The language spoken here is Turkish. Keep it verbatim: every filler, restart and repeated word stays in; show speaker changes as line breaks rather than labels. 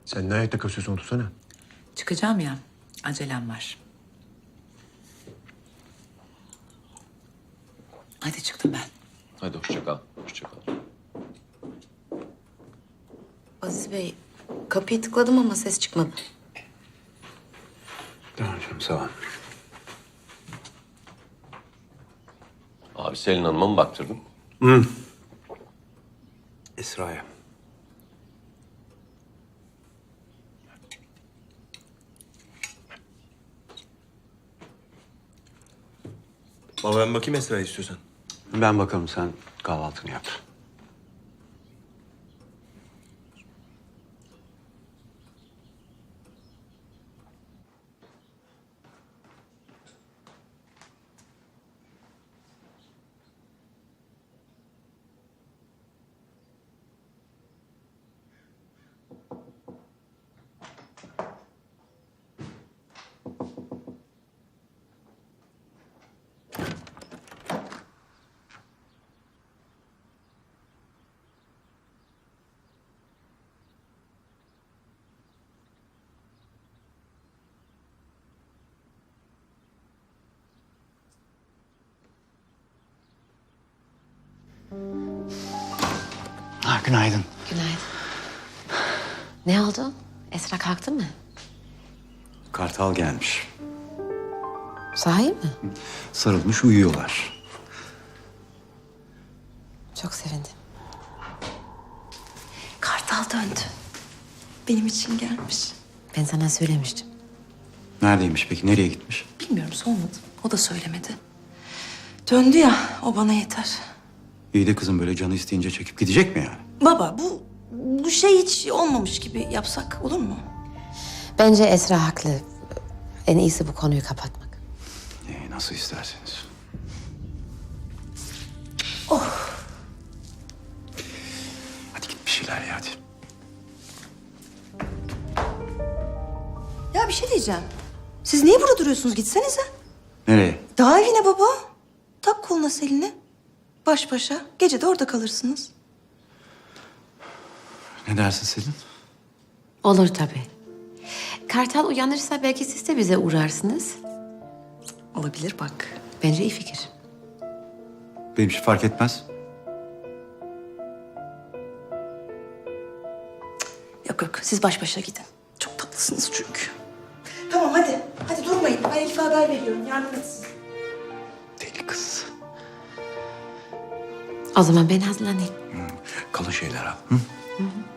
Sen ne ayakta kasıyorsun, otursana.
Çıkacağım ya. Acelem var. Hadi çıktım ben.
Hadi hoşça kal. Hoşça kal.
Aziz Bey, kapıyı tıkladım ama ses çıkmadı.
Tamam canım, sağ ol.
Abi Selin Hanım'a mı baktırdın?
Esra'ya.
Baba ben bakayım Esra'ya istiyorsan.
Ben bakalım, sen kahvaltını yap. Ha, günaydın.
Günaydın. Ne oldu? Esra kalktı mı?
Kartal gelmiş.
Sahi mi?
Sarılmış uyuyorlar.
Çok sevindim. Kartal döndü. Benim için gelmiş. Ben sana söylemiştim.
Neredeymiş peki, nereye gitmiş?
Bilmiyorum, sormadım. O da söylemedi. Döndü ya, o bana yeter.
İyi de kızım, böyle canı isteyince çekip gidecek mi yani?
Baba, bu bu şey hiç olmamış gibi yapsak olur mu?
Bence Esra haklı. En iyisi bu konuyu kapatmak.
Ee, nasıl isterseniz. Hadi git bir şeyler ye hadi.
Ya bir şey diyeceğim. Siz niye burada duruyorsunuz? Gitsenize.
Nereye?
Daha evine baba. Tak koluna Selin'i. Baş başa. Gece de orada kalırsınız.
Ne dersin Selin?
Olur tabii. Kartal uyanırsa belki siz de bize uğrarsınız.
Olabilir bak.
Bence iyi fikir.
Benim için fark etmez.
Yok yok. Siz baş başa gidin. Çok tatlısınız çünkü. Tamam hadi. Hadi durmayın. Ben Elif'e haber veriyorum. Yardım etsin.
Deli kız.
O zaman ben hazırlanayım.
Kalın şeyler al. Hı?